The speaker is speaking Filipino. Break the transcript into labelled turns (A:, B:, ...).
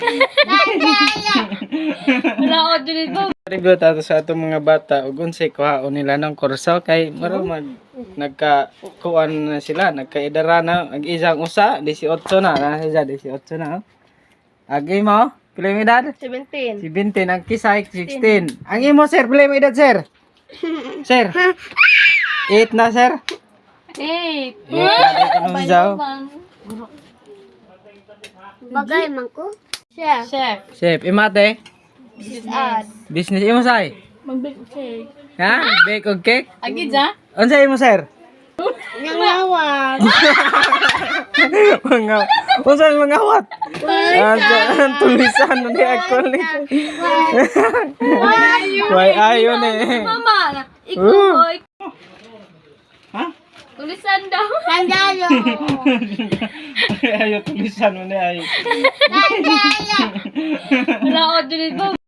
A: Wala ako dito.
B: Review tato sa atong mga bata ug unsay kuhaon nila ng kurso kay maro nagkakuan na sila, nagkaedara na ang isang usa 18 na siya 18 na. Agi mo, pila mo edad?
A: 17.
B: 17 ang kisay 16. Ang imo sir, pila mo edad sir? Sir. 8 na sir.
A: 8.
C: Bagay man ko.
A: Chef.
B: Chef, imate.
A: Business.
B: Business imo say.
A: Mag-bake cake.
B: Ha? Bake og cake?
A: Agi dyan?
B: Unsay imo sir?
C: Nangawag.
B: Mga unsay mangawat? Ang tulisan ni ako ni. Why ayo ni?
A: Mama, ikaw
B: Uh.
A: boy.
B: Ha?
A: Tulisan daw.
C: Sandalo.
B: Ayo tulisan mo ni ayo.
C: Sandalo.
A: Wala ako dito.